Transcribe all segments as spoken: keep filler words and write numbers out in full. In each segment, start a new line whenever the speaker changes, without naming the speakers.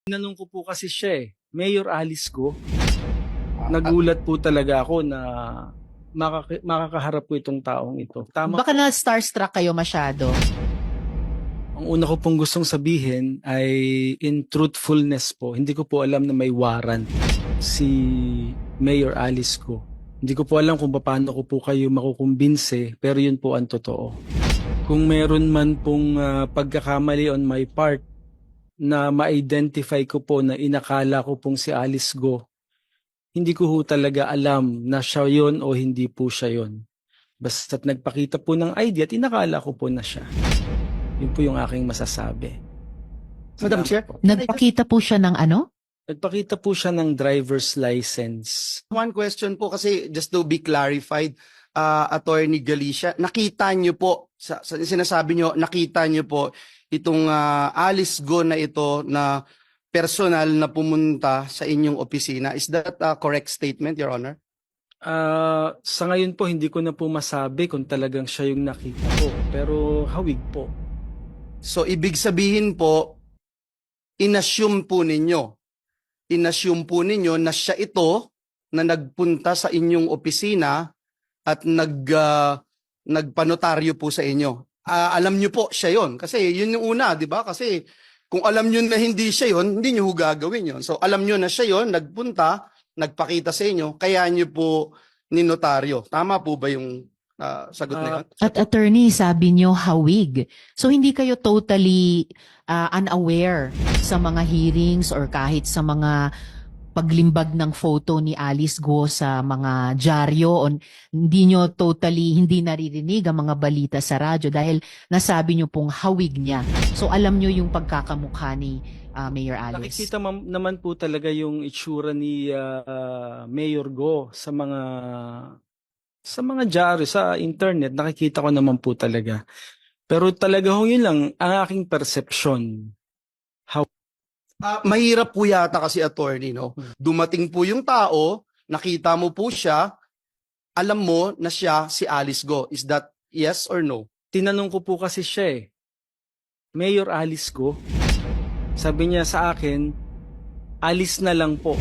Tinanong ko po kasi siya eh, Mayor Alice Go. Nagulat po talaga ako na makaka makakaharap ko itong taong ito. Tama
Baka
po.
na starstruck kayo masyado.
Ang una ko pong gustong sabihin ay in truthfulness po, hindi ko po alam na may warrant si Mayor Alice Go. Hindi ko po alam kung paano ko po kayo makukumbinse, pero yun po ang totoo. Kung meron man pong uh, pagkakamali on my part na ma-identify ko po na inakala ko pong si Alice Go, hindi ko ho talaga alam na siya yon o hindi po siya yon. Basta't nagpakita po ng I D at inakala ko po na siya. Yun po yung aking masasabi.
Madam Chair,
Po.
Nagpakita po siya ng ano?
Nagpakita po siya ng driver's license.
one question po kasi just to be clarified, uh, Attorney Galicia, nakita niyo po, sa, sa sinasabi niyo, nakita niyo po itong uh, Alice Go na ito na personal na pumunta sa inyong opisina. Is that a correct statement, Your Honor?
Uh, sa ngayon po, hindi ko na po masabi kung talagang siya yung nakita ko. Pero hawig po.
So, ibig sabihin po, inassume po ninyo, inassume po ninyo na siya ito na nagpunta sa inyong opisina at nag, uh, nagpanotaryo po sa inyo. Uh, alam nyo po siya yon kasi yun yung una, di ba? Kasi kung alam nyo na hindi siya yon, hindi nyo gagawin yon. So alam nyo na siya yon, nagpunta, nagpakita sa inyo, kaya nyo po ninotaryo. Tama po ba yung uh, sagot na yun?
At attorney, sabi niyo hawig. So hindi kayo totally uh, unaware sa mga hearings or kahit sa mga paglimbag ng photo ni Alice Go sa mga dyaryo, o hindi nyo totally, hindi naririnig ang mga balita sa radyo dahil nasabi nyo pong hawig niya. So alam nyo yung pagkakamukha ni uh, Mayor Alice.
Nakikita naman po talaga yung itsura ni uh, Mayor Go sa mga sa mga dyaryo, sa internet. Nakikita ko naman po talaga. Pero talaga ho yun lang ang aking perception. How
Uh, mahirap po yata kasi, attorney, no? Dumating po yung tao, nakita mo po siya, alam mo na siya si Alice Go. Is that yes or no?
Tinanong ko po kasi siya eh, Mayor Alice Go. Sabi niya sa akin, Alice na lang po.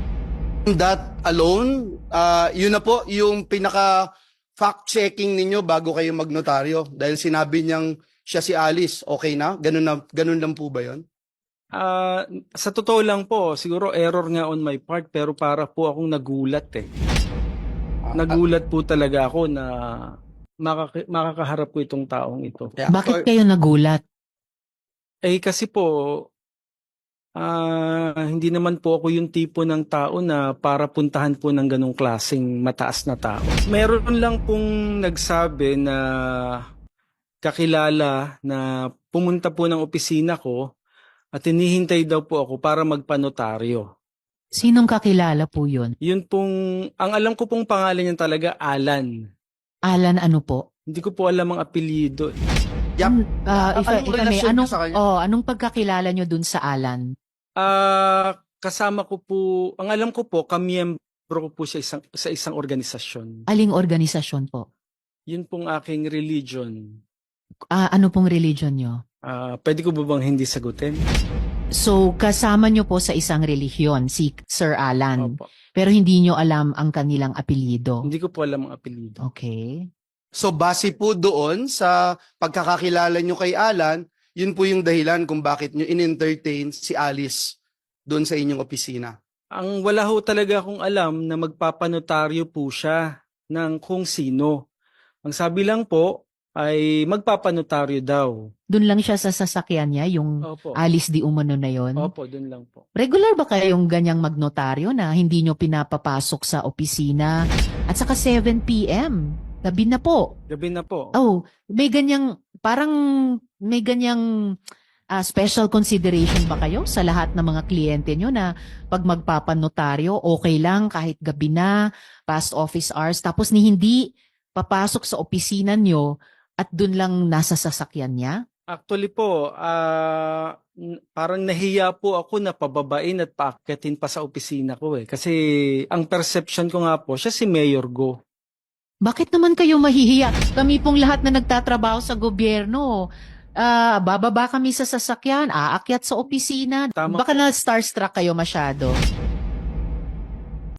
That alone, uh, yun na po yung pinaka fact-checking ninyo bago kayo magnotaryo. Dahil sinabi niyang siya si Alice, okay na? Ganun, na, ganun lang po ba yun?
Uh, sa totoo lang po, siguro error nga on my part, pero para po akong nagulat eh. Nagulat po talaga ako na makaka makakaharap ko itong taong ito.
Yeah.
Bakit kayo nagulat?
Eh kasi po, uh, hindi naman po ako yung tipo ng tao na para puntahan po ng ganong klaseng mataas na tao. Meron lang pong nagsabi na kakilala na pumunta po ng opisina ko at hinihintay daw po ako para magpanotaryo.
Sinong kakilala po yun?
Yun pong, ang alam ko pong pangalan niya talaga, Alan.
Alan ano po?
Hindi ko po alam ang apelyido.
Yep.
Uh, if,
Anong
if I may,
relasyon niyo
anong,
sa kanya?
oh, anong pagkakilala nyo dun sa Alan?
Ah, uh, kasama ko po, ang alam ko po, kamiyembro ko po sa isang, sa isang organisasyon.
Aling organisasyon po?
Yun pong aking religion.
Uh, ano pong religion nyo?
Uh, pwede ko ba bang hindi sagutin?
So, kasama nyo po sa isang relihiyon, si Sir Alan.
Opo.
Pero hindi nyo alam ang kanilang apelyido.
Hindi ko po alam ang apelyido.
Okay.
So base po doon sa pagkakakilala nyo kay Alan, yun po yung dahilan kung bakit nyo in-entertain si Alice doon sa inyong opisina.
Ang wala ho talaga akong alam na magpapanotaryo po siya ng kung sino. Ang sabi lang po ay magpapanotaryo daw.
Doon lang siya sa sasakyan niya, yung
Opo.
Alice di umano na yon.
Opo, doon lang po.
Regular ba kayong ganyang magnotaryo na hindi nyo pinapapasok sa opisina? At saka seven p m Gabi na po.
Gabi na po.
Oh, may ganyang, parang may ganyang uh, special consideration ba kayo sa lahat ng mga kliyente nyo na pag magpapanotaryo, okay lang kahit gabi na, past office hours, tapos ni hindi papasok sa opisina nyo at dun lang nasa sasakyan niya?
Actually po, uh, parang nahiya po ako na pababain at paakyatin pa sa opisina ko eh. Kasi ang perception ko nga po, siya si Mayor Go.
Bakit naman kayo mahihiya? Kami pong lahat na nagtatrabaho sa gobyerno, ah, bababa kami sa sasakyan, aakyat sa opisina.
Tama
Baka na starstruck kayo masyado.